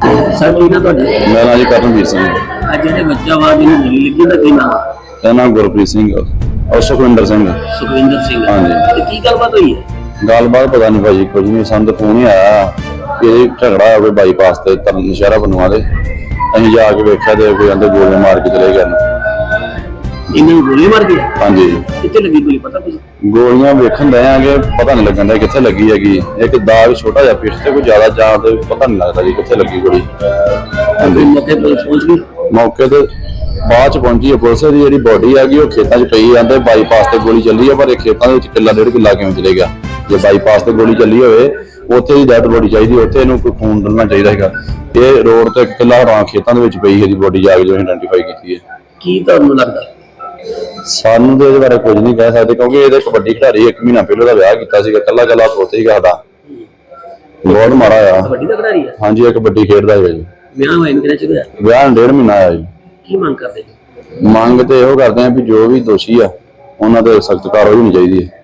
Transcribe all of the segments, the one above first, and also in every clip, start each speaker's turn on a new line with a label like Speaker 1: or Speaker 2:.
Speaker 1: Sir ਕੀ ਨਾ ਤੁਹਾਡਾ
Speaker 2: ਮੇਰਾ ਨਾਂ ਜੀ ਕਰਨਵੀਰ ਸਿੰਘ।
Speaker 1: ਅੱਜ ਜਿਹੜੇ ਬੱਚਾ ਵਾ ਜਿਹਨੂੰ ਗੋਲੀ ਲੱਗੀ ਉਹਦਾ ਕੀ ਨਾਮ ਆ?
Speaker 2: ਇਹਦਾ ਨਾਮ ਗੁਰਪ੍ਰੀਤ ਸਿੰਘ ਔਰ ਸੁਖਵਿੰਦਰ ਸਿੰਘ।
Speaker 1: ਸੁਖਵਿੰਦਰ ਸਿੰਘ।
Speaker 2: ਹਾਂਜੀ।
Speaker 1: ਤੇ ਕੀ ਗੱਲਬਾਤ ਹੋਈ ਹੈ?
Speaker 2: ਗੱਲਬਾਤ ਪਤਾ ਨਹੀਂ ਭਾਜੀ, ਕੁਝ ਨਹੀਂ, ਸਾਨੂੰ ਤਾਂ ਫੋਨ ਹੀ ਆਇਆ ਕਿ ਇਹ ਝਗੜਾ ਹੋਵੇ ਬਾਈਪਾਸ ਤੇ ਨਸ਼ਹਿਰਾ ਬਨਵਾ ਦੇ। ਅਸੀਂ ਜਾ ਕੇ ਵੇਖਿਆ ਤੇ ਕੋਈ ਕਹਿੰਦੇ ਗੋਲੀਆਂ ਮਾਰ ਕੇ ਚਲੇ ਗਏ ਨੇ।
Speaker 1: ਇਹਨਾਂ ਨੂੰ ਗੋਲੀ ਮਾਰ ਗਈ?
Speaker 2: ਹਾਂਜੀ।
Speaker 1: ਕਿੱਥੇ ਲੱਗੀ ਗੋਲੀ ਪਤਾ ਕੁਝ?
Speaker 2: ਗੋਲੀਆਂ ਵੇਖਣ ਦੇ ਆਂਗੇ, ਪਤਾ ਨਹੀਂ ਲੱਗਣ ਦਾ ਕਿੱਥੇ ਲੱਗੀ ਹੈਗੀ। ਇੱਕ ਦਾਗ ਛੋਟਾ ਜਿਹਾ ਪਿੱਛ ਤੇ, ਕੋਈ ਜ਼ਿਆਦਾ ਜਾਂ ਤੇ ਪਤਾ ਨਹੀਂ ਲੱਗਦਾ ਜੀ ਕਿੱਥੇ ਲੱਗੀ ਗੋਲੀ। ਹਾਂਜੀ।
Speaker 1: ਮੌਕੇ ਪੁਲਿਸ ਪਹੁੰਚ ਗਈ?
Speaker 2: ਮੌਕੇ ਤੇ ਬਾਅਦ ਚ ਪਹੁੰਚੀ ਹੈ ਪੁਲਿਸ ਦੀ। ਜਿਹੜੀ ਬੋਡੀ ਹੈਗੀ ਉਹ ਖੇਤਾਂ 'ਚ ਪਈ ਜਾਂਦੇ। ਬਾਈਪਾਸ ਤੇ ਗੋਲੀ ਚੱਲੀ ਹੈ, ਪਰ ਇਹ ਖੇਤਾਂ ਦੇ ਵਿੱਚ ਕਿੱਲਾ 1.5 ਕਿੱਲਾ ਕਿਵੇਂ ਚਲੇ ਗਿਆ? ਜੇ ਬਾਈਪਾਸ ਤੇ ਗੋਲੀ ਚੱਲੀ ਹੋਵੇ ਉੱਥੇ ਹੀ ਡੈਡ ਬੋਡੀ ਚਾਹੀਦੀ, ਉੱਥੇ ਇਹਨੂੰ ਕੋਈ ਖੂਨ ਡਲਣਾ ਚਾਹੀਦਾ ਹੈਗਾ। ਇਹ ਰੋਡ ਤੇ ਕਿੱਲਾ ਹਰਾਂ ਖੇਤਾਂ ਦੇ ਵਿੱਚ ਪਈ ਹੈ ਜੀ ਬੋਡੀ, ਜਾ ਕੇ ਜੋ ਆਇਡੈਂਟੀਫਾਈ ਕੀਤੀ ਹੈ।
Speaker 1: ਕੀ ਤੁਹਾਨੂੰ ਲੱਗਦਾ?
Speaker 2: ਸਾਨੂੰ ਤੇ ਇਹਦੇ ਬਾਰੇ ਕੁਝ ਨਹੀਂ ਕਹਿ ਸਕਦੇ, ਕਿਉਂਕਿ ਇਹਦੇ ਕਬੱਡੀ ਖਿਡਾਰੀ 1 ਮਹੀਨਾ ਪਹਿਲਾਂ ਦਾ ਵਿਆਹ ਕੀਤਾ ਸੀਗਾ, ਕੱਲਾ ਪੋਤੇ ਸੀਗਾ ਸਾਡਾ। ਬਹੁਤ ਮਾੜਾ ਆ।
Speaker 1: ਕਬੱਡੀ ਦਾ ਖਿਡਾਰੀ ਆ?
Speaker 2: ਹਾਂਜੀ, ਇਹ ਕਬੱਡੀ ਖੇਡਦਾ ਹੈਗਾ ਜੀ।
Speaker 1: ਵਿਆਹ ਹੋਇਆ ਕਿਹੜਾ ਚ ਹੋਇਆ?
Speaker 2: ਵਿਆਹ 1.5 ਮਹੀਨਾ ਆਇਆ ਜੀ।
Speaker 1: ਕੀ ਮੰਗ ਕਰਦੇ?
Speaker 2: ਮੰਗ ਤੇ ਇਹੋ ਕਰਦੇ ਆ ਵੀ ਜੋ ਵੀ ਦੋਸ਼ੀ ਆ ਉਹਨਾਂ ਤੇ ਸਖਤ ਕਾਰਵਾਈ ਹੋਣੀ ਚਾਹੀਦੀ ਹੈ।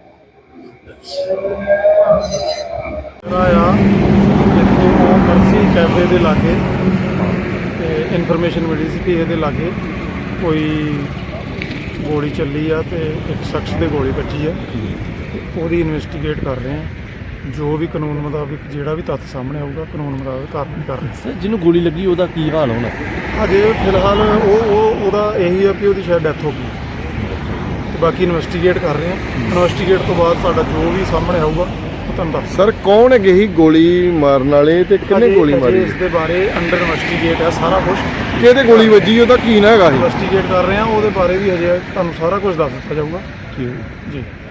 Speaker 3: ਇੱਥੇ ਮਰਸੀ ਕੈਫੇ ਦੇ ਲਾਗੇ ਤੇ ਇਨਫੋਰਮੇਸ਼ਨ ਮਿਲੀ ਸੀ ਕਿ ਇਹਦੇ ਲਾਗੇ ਕੋਈ ਗੋਲੀ ਚੱਲੀ ਆ ਤੇ ਇੱਕ ਸ਼ਖਸ ਦੇ ਗੋਲੀ ਵੱਜੀ ਆ। ਉਹਦੀ ਇਨਵੈਸਟੀਗੇਟ ਕਰ ਰਹੇ ਆ। ਜੋ ਵੀ ਕਾਨੂੰਨ ਮੁਤਾਬਿਕ ਜਿਹੜਾ ਵੀ ਤੱਥ ਸਾਹਮਣੇ ਆਊਗਾ ਕਾਨੂੰਨ ਮੁਤਾਬਿਕ ਕਾਰਵਾਈ ਕਰ ਰਹੇ
Speaker 4: ਸਰ ਜਿਹਨੂੰ ਗੋਲੀ ਲੱਗੀ ਉਹਦਾ ਕੀ ਹਾਲ ਹੋਣਾ?
Speaker 3: ਅਜੇ ਫਿਲਹਾਲ ਉਹਦਾ ਇਹੀ ਆ ਕਿ ਉਹਦੀ ਸ਼ਾਇਦ ਡੈਥ ਹੋ ਗਈ ਤੇ ਬਾਕੀ ਇਨਵੈਸਟੀਗੇਟ ਕਰ ਰਹੇ ਆ। ਇਨਵੈਸਟੀਗੇਟ ਤੋਂ ਬਾਅਦ ਸਾਡਾ ਜੋ ਵੀ ਸਾਹਮਣੇ ਆਊਗਾ ਉਹ ਤੁਹਾਨੂੰ ਦੱਸ।
Speaker 5: ਸਰ ਕੌਣ ਹੈਗੇ ਸੀ ਗੋਲੀ ਮਾਰਨ ਵਾਲੇ ਤੇ ਕਿੰਨੇ ਗੋਲੀ ਮਾਰੀ?
Speaker 3: ਇਸ ਦੇ ਬਾਰੇ ਅੰਡਰ ਇਨਵੈਸਟੀਗੇਟ ਹੈ ਸਾਰਾ ਕੁਝ।
Speaker 5: ਕਿਹਦੇ ਗੋਲੀ ਵੱਜੀ ਉਹਦਾ ਕੀ ਨਾ ਹੈਗਾ ਸੀ?
Speaker 3: ਇਨਵੈਸਟੀਗੇਟ ਕਰ ਰਹੇ ਆ, ਉਹਦੇ ਬਾਰੇ ਵੀ ਹਜੇ ਤੁਹਾਨੂੰ ਸਾਰਾ ਕੁਝ ਦੱਸ ਦਿੱਤਾ ਜਾਊਗਾ।
Speaker 5: ਠੀਕ
Speaker 3: ਜੀ।